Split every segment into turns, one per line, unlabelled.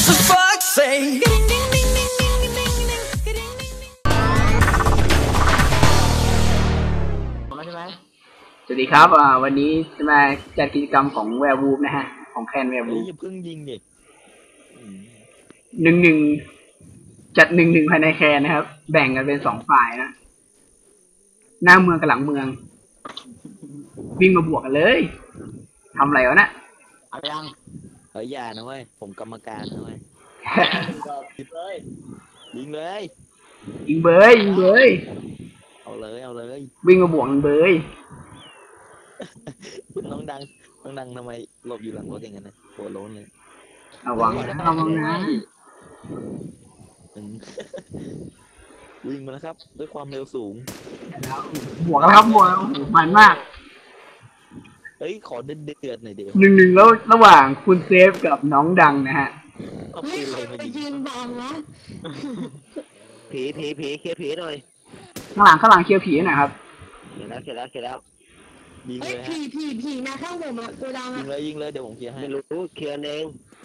for fuck's sake.
ใช่ไหม
สวัสดีครับวันนี้จะมาจัดกิจกรรมของแวร์วูฟนะฮะของแคนแวร์
เฮ้
วู
ย
ฟ
อย่าเพิ่งยิงดิ
1-1จัด1-1ภายในแคนนะครับ แบ่งกันเป็น2ฝ่ายนะหน้าเมืองกับหลังเมือง วิ่งมาบวกกันเลยทำอะไรวะนะ
เอายังเฮ้ยอย่านะเว้ยผมกรรมการนะเว้ยยิงเลย
ยิงเบยยิงเบย
เอาเลย
วิ่งมาบวกกันเบย
น้องดังทำไมหลบอยู่หลังรถอย่างนั้นนะหัวโล้นเลย
ระวังนะระวังนะ
อืม วิ่งมาแล้วครับ ด้วยความเร็วสูง
แล้วบวกกันครับบวกกันโอ้โหมันมาก
เฮ้ยขอเดือดหน่อยเดี๋ยว
1-1แล้วระหว่างคุณเซฟกับน้องดังนะฮะ
เอาปืนอะไรมายิง
ยืนบังนะ
ผีเคลียร์ผีหน่อย
ข้างหลังเคลียร์ผีหน่อยครับ
เสร็จแล้วยิง
เอ้
เลย ยฮะ
ผีนะข้างผมอะตัวดำ
ยิ
อะ
งเลยเดี๋ยวผมเคลียร์ให้
ไม่รู้เคลียร์เอง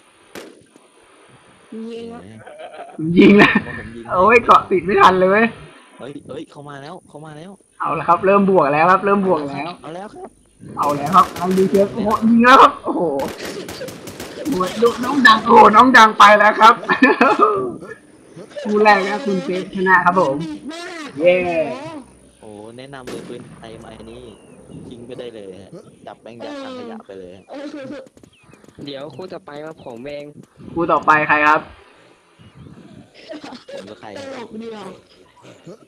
ยิงอะ
ยิงนะ
ผมยิง
โอ้ยเกาะติดไม่ทันเลยเว้ย
เฮ้ยเข้ามาแล้ว
เอาละครับ เริ่มบวกแล้วครับ เริ่มบวกแล้ว
เอาแล้วครับ
เอาแล้วครับทางดีเชฟโอ้โหยิงแล้วครับโอ้โหโอ้ยดูน้องดังโอ้โหน้องดังไปแล้วครับ คู่แรกนะคุณเซฟชนะครับผม
ดีมาก
เย้
โอ้แนะนำเลยปืนไทยมาอันนี้ทิ้งไปได้เลยฮะจับแบงค์ยัดถังขยะไปเลยฮะ
เออ
เดี๋ยวคู่ต่อไปว่าผมเอง
คู่ต่อไปใครครับ
ผมก็ใคร
ตลกเดียว